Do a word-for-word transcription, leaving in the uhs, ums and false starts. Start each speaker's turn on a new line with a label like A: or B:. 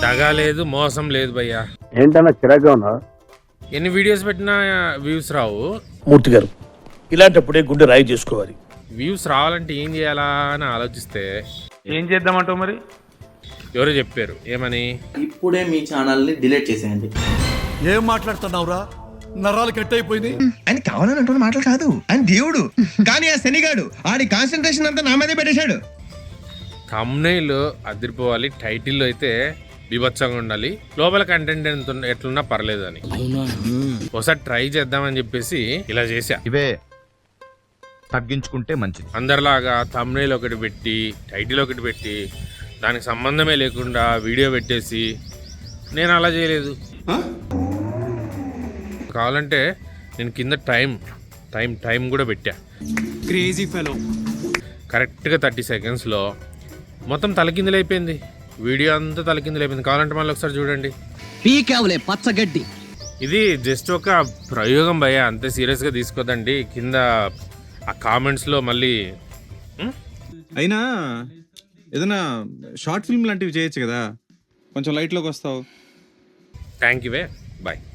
A: దగా లేదు, మోసం లేదు భయ్యా.
B: ఏంటన్నా చిరాగ్గా ఉన్నా?
A: ఎన్ని వీడియోస్ పెట్టినా వ్యూస్ రావు.
C: మూర్తి గారు, ఇలాంటప్పుడే గుండె రాయి చేసుకోవాలి.
A: వ్యూస్ రావాలంటే ఏం చేయాలా అని ఆలోచిస్తే
D: ఏం చేద్దామంటావు మరి?
A: ఎవరో చెప్పారు, ఏమని?
E: ఇప్పుడే మీ ఛానల్ని డిలీట్ చేసేయండి.
F: ఏం మాట్లాడుతున్నావురా? నరాలు కట్ అయిపోయింది.
G: ఆయన కావాలని అంటున్న మాటలు కాదు, ఆయన దేవుడు. కానీ ఆ శనిగాడు ఆడి కాన్సన్ట్రేషన్ అంతా నా మీదే పెట్టేశాడు.
A: థంబ్నెయిల్ అదిరిపోవాలి, టైటిల్ అయితే బీభత్సంగా ఉండాలి, లోపల కంటెంట్ ఎంత ఎట్లున్నా పర్లేదు అని. ఒకసారి ట్రై చేద్దామని చెప్పేసి ఇలా చేశా.
H: ఇవే తగ్గించుకుంటే మంచిది.
A: అందరిలాగా థంబ్నెయిల్ ఒకటి పెట్టి, టైటిల్ ఒకటి పెట్టి, దానికి సంబంధమే లేకుండా వీడియో పెట్టేసి, నేను అలా చేయలేదు. కావాలంటే నేను కింద టైం టైం టైం కూడా పెట్టా.
F: Crazy fellow.
A: కరెక్ట్గా థర్టీ సెకండ్స్లో మొత్తం తలకిందులైపోయింది, వీడియో అంతా తలకిందులైపోయింది. కావాలంటే మళ్ళీ ఒకసారి చూడండి.
I: పీకేవలే పచ్చగడ్డి.
A: ఇది జస్ట్ ఒక ప్రయోగం భయ్య, అంతే సీరియస్గా తీసుకోదండి. కింద ఆ కామెంట్స్లో మళ్ళీ
J: అయినా ఏదైనా షార్ట్ ఫిల్మ్ లాంటివి చేయొచ్చు కదా, కొంచెం లైట్లోకి వస్తావు.
A: Thank you way bye.